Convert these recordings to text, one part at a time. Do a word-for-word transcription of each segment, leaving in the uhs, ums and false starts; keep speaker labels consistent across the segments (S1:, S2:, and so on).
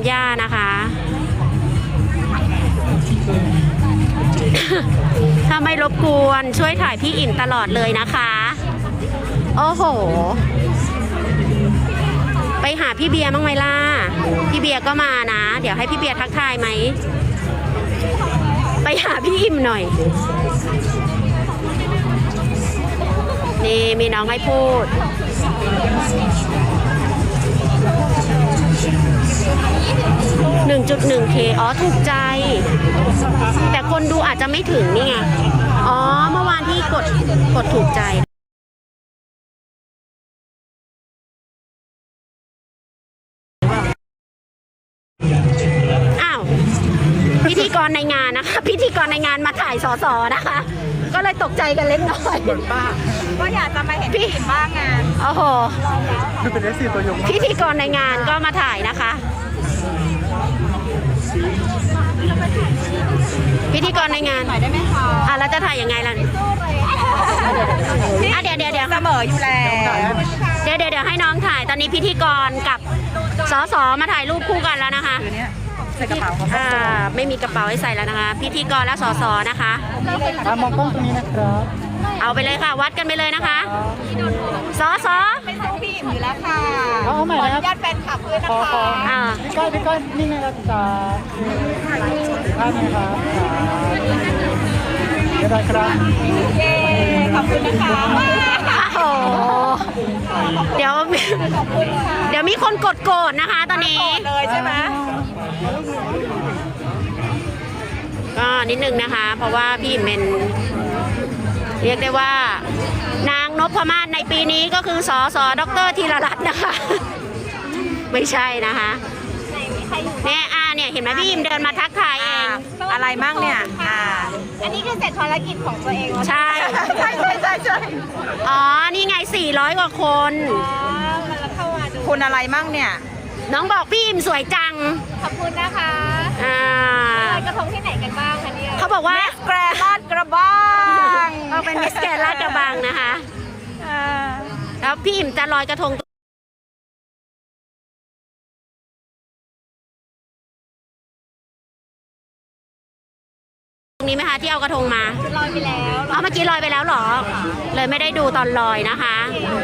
S1: หญ้านะคะ ถ้าไม่รบกวนช่วยถ่ายพี่อิ่มตลอดเลยนะคะโอ้โหไปหาพี่เบียร์บ้างไหมล่ะพี่เบียร์ก็มานะเดี๋ยวให้พี่เบียร์ทักทายไหมไปหาพี่อิ่มหน่อยนี่มีน้องให้พูด หนึ่งจุดหนึ่งเค อ๋อถูกใจแต่คนดูอาจจะไม่ถึงนี่ไงอ๋อเมื่อวานที่กดกดถูกใจอ้าวพิธีกรในงานนะคะพิธีกรในงานมาถ่ายสสนะคะก็เลยตกใจกันเล็กน้อยป้า
S2: ก็อยากจะมาเห็นพี่อิ่มบ้างงาน
S1: โอ้โห
S3: เป็นเอสซีตัวยง
S1: พิธีกรในงานก็มาถ่ายนะคะพิธีกรในงาน
S2: ถ่ายได้ไหมคะ
S1: อ่ะแล้วจะถ่ายยังไงล่ะอ่ะเดี๋ยวเดี๋ยวเดี๋ยว
S2: เสมออยู่แล้ว
S1: เดี๋ยวเดี๋ยวเดี๋ยวให้น้องถ่ายตอนนี้พิธีกรกับสสมาถ่ายรูปคู่กันแล้วนะคะ
S2: ใส่กระเป๋า
S1: อ่าไม่มีกระเป๋าให้ใส่แล้วนะคะพิธีกรและสสนะคะ
S3: มองกล้องตรงนี้นะครับ
S1: เอาไปเลยค่ะวัดกันไปเลยนะคะสส
S2: ไม่ใช่พี่อิ่มอยู่แล้วค่ะ
S3: เอาใหม่นะครับ
S2: ญาติแฟนคลับด้วยนะคะ
S1: อ่า
S3: พี่ก้อยพี่ก้อยนี่ไงครับจ้าท่านนะครับเดี๋ยวได้ครับ
S2: เย้ขอบคุณนะคะ
S1: โอ้เดี๋ยวเดี๋ยวมีคนกดโกรธนะคะตอนนี้
S2: เลยใช่ไหม
S1: ก็นิดนึงนะคะเพราะว่าพี่อิ่มเป็นเรียกได้ว่านางนพมาศในปีนี้ก็คือสสดรธีรรัตน์นะคะไม่ใช่นะคะเนี่ยอ่าเนี่ยเห็นไหมพี่อิ่มเดินมาทักทายเอง
S2: อะไรมั่งเนี่ยอ่าอันนี้คือเสร็จภารกิจของตัวเอง
S1: ใช่
S2: ใช่ใช่ใช่ใช่
S1: อ๋อนี่ไงสี่ร้อยกว่าคน
S2: คุณอะไรมั่งเนี่ย
S1: น้องบอกพี่อิ่มสวยจัง
S2: ขอบคุณนะคะ
S1: อ่า
S2: ลอยกระทงที่ไหนกันบ้างคะเนี่ย
S1: เขาบอกว่า
S2: แกรลาดกระบัง
S1: เราเป็นมิสแกรลาดกระบังนะคะแล้วพี่อิ่มจะลอยกระทงตรงนี้ไหมคะที่เอากระทงมา
S2: ลอยไปแล้ว
S1: เอาเมื่อกี้ลอยไปแล้วหรอเลยไม่ได้ดูตอนลอยนะคะ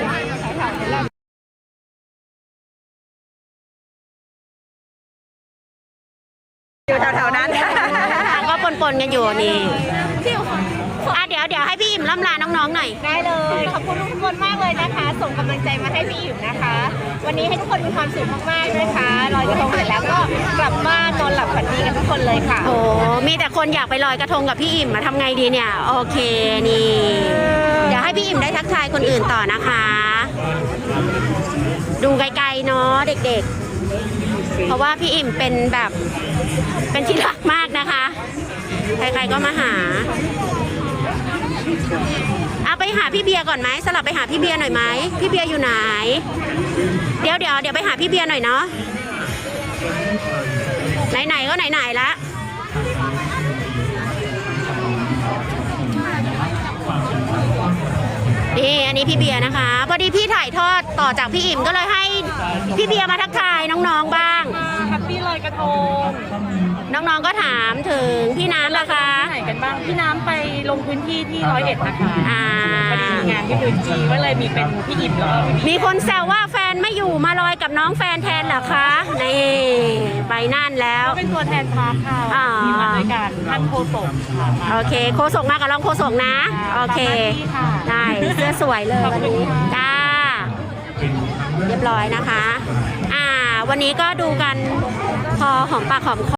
S2: อยู่แถวๆนั้น
S1: ก็ปนๆกันอยู่นี่อ่ะเดี๋ยวเดี๋ยวให้พี่อิ่มล่ำลาน้องๆหน่อย
S2: ได้เลยขอบคุณทุกคนมากเลยนะคะส่งกำลังใจมาให้พี่อิ่มนะคะวันนี้ให้ทุกคนมีความสุขมากๆนะคะลอยกระทงเสร็จแล้วก็กลับบ้านนอนหลับฝันดีกันทุกคนเลยค่ะ
S1: โอ้มีแต่คนอยากไปลอยกระทงกับพี่อิ่มมาทำไงดีเนี่ยโอเคนี่เดี๋ยวให้พี่อิ่มได้ทักทายคนอื่นต่อนะคะดูไกลๆเนาะเด็กๆเพราะว่าพี่อิ่มเป็นแบบเป็นที่รักมากนะคะใครๆก็มาหาเอาไปหาพี่เบียร์ก่อนไหมสลับไปหาพี่เบียร์หน่อยไหมพี่เบียร์อยู่ไหนเดี๋ยวเดี๋ยวเดี๋ยวไปหาพี่เบียร์หน่อยเนาะไหนๆก็ไหนๆละนี่อันนี้พี่เบียร์นะคะพอดีพี่ถ่ายทอดต่อจากพี่อิ่มก็เลยให้พี่เบียร์มาทักทายน้องๆบ้าง
S2: แฮปปี้ลอยกระทง
S1: น้องๆก็ถามถึงพี่น้ำนะคะ
S2: ไหนกันบ้างพี่น้ำไปลงพื้นที่ที่ร้อยเอ็ดนะคะ
S1: อ่า
S2: พอดีมีงานที่พื้นที่ก็เลยมีเป็นพี่อิ่มแล้ว
S1: มีคนแซวว่าแฟนไม่อยู่มาลอยกับน้องแฟนแทนเหรอคะนี่ไปนั่นแล้ว
S2: เป็นตัวแทนพาร์ทค่ะมีมาด้วยกันท่านโฆษก
S1: โอเคโฆษกมากับรองโฆษกนะโอเคได้เสื้อสวยเลยวันนี้จ้าเรียบร้อยนะคะอ่าวันนี้ก็ดูกันพอหอมปากหอมคอ